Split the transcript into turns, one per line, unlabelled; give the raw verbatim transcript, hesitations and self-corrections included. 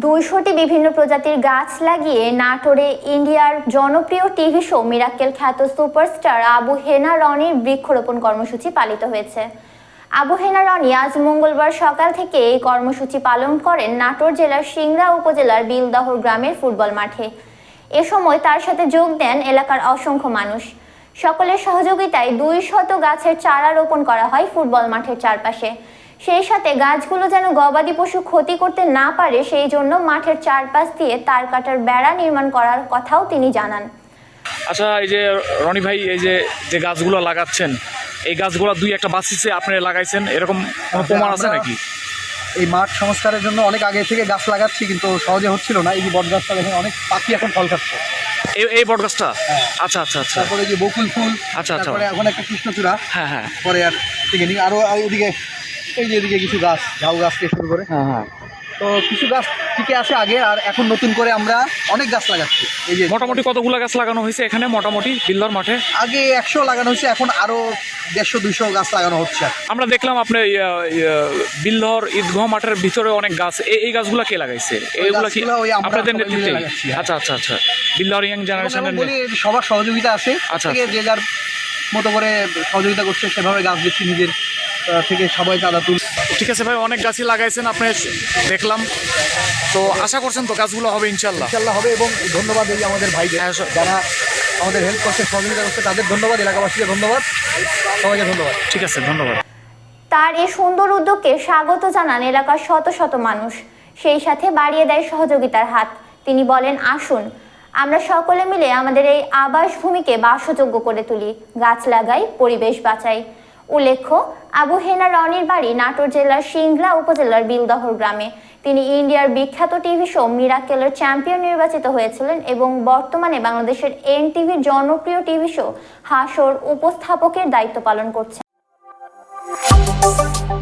দুইশোটি বিভিন্ন প্রজাতির গাছ লাগিয়ে নাটোরে ইন্ডিয়ার জনপ্রিয় টিভি শো মিরাক্কেল খ্যাত সুপারস্টার আবু হেনা রনির বৃক্ষরোপণ কর্মসূচি পালিত হয়েছে। আবু হেনা রনি আজ মঙ্গলবার সকাল থেকে এই কর্মসূচি পালন করেন নাটোর জেলার সিংড়া উপজেলার বিলদহর গ্রামের ফুটবল মাঠে। এ সময় তার সাথে যোগ দেন এলাকার অসংখ্য মানুষ। সকলের সহযোগিতায় দুই শত গাছের চারা রোপণ করা হয় ফুটবল মাঠের চারপাশে। সেই সাথে গাছগুলো যেন গবাদি পশু ক্ষতি করতে না পারে সেই জন্য মাঠের চারপাশ দিয়ে তার কাটার বেড়া নির্মাণ করার কথাও তিনি জানান।
আচ্ছা, এই যে রনি ভাই, এই যে যে গাছগুলো লাগাচ্ছেন, এই গাছগুলো দুই একটা বাঁচিয়েছে আপনি লাগাইছেন, এরকম কোনো প্রমাণ আছে নাকি?
এই মাঠ সংস্কারের জন্য অনেক আগে থেকে গাছ লাগাচ্ছি, কিন্তু সহজে হচ্ছিল না। এই যে বট গাছটা দেখেন, অনেক পাখি এখন ফল খাচ্ছে।
এই এই বট গাছটা? আচ্ছা আচ্ছা আচ্ছা।
তারপরে যে বকুল ফুল,
আচ্ছা আচ্ছা,
তারপরে এখন একটা কৃষ্ণচূড়া।
হ্যাঁ হ্যাঁ।
পরে আর থেকে নিই আরও এদিকে, এই যে এদিকে কিছু গাছ, ঝাউ গাছ থেকে শুরু করে।
হ্যাঁ হ্যাঁ।
তো কিছু গাছ টিকে আছে আগে, আর এখন নতুন করে আমরা অনেক গাছ লাগাচ্ছি। এই যে
মোটামুটি কতগুলো গাছ লাগানো হয়েছে এখানে মোটামুটি বিল্লার মাঠে?
আগে একশো লাগানো হয়েছে, এখন আরো দেড়শো দুইশো গাছ লাগানো হচ্ছে।
আমরা দেখলাম আপনি বিল্লর ঈদগাহ মাঠের ভিতরে অনেক গাছ, এই গাছগুলো কে লাগাইছে? এইগুলো কি আপনাদের নেতৃত্বে? আচ্ছা আচ্ছা আচ্ছা। বিল্লর ইয়াং জেনারেশনের
বলি সবার সহযোগিতা আছে।
আচ্ছা,
যে যার মতো করে সহযোগিতা করছে, সেভাবে গাছ দিচ্ছি নিজের থেকে, সবাই চাঁদা তুল।
ঠিক আছে ভাই, অনেক গাছই লাগাইছেন আপনি দেখলাম, তো আশা করছেন তো গাছগুলো হবে ইনশাল্লাহ?
ইনশাল্লাহ হবে। এবং ধন্যবাদ এই আমাদের ভাইদের যারা আমাদের হেল্প করছে, সহযোগিতা করছে, তাদের ধন্যবাদ। এলাকাবাসীকে ধন্যবাদ, সবাইকে ধন্যবাদ।
ঠিক আছে, ধন্যবাদ।
তার এই সুন্দর উদ্যোগকে স্বাগত জানান এলাকার শত শত মানুষ, সেই সাথে বাড়িয়ে দেয় সহযোগিতার হাত। তিনি বলেন, আসুন আমরা সকলে মিলে আমাদের এই আবাসভূমিকে বাসযোগ্য করে তুলি, গাছ লাগাই, পরিবেশ বাঁচাই। উল্লেখ্য, আবু হেনা রনির বাড়ি নাটোর জেলার সিংড়া উপজেলার বিলদহর গ্রামে। তিনি ইন্ডিয়ার বিখ্যাত টিভি শো মিরাক্কেলের চ্যাম্পিয়ন নির্বাচিত হয়েছিলেন এবং বর্তমানে বাংলাদেশের এন টিভির জনপ্রিয় টিভি শো হাসর উপস্থাপকের দায়িত্ব পালন করছেন।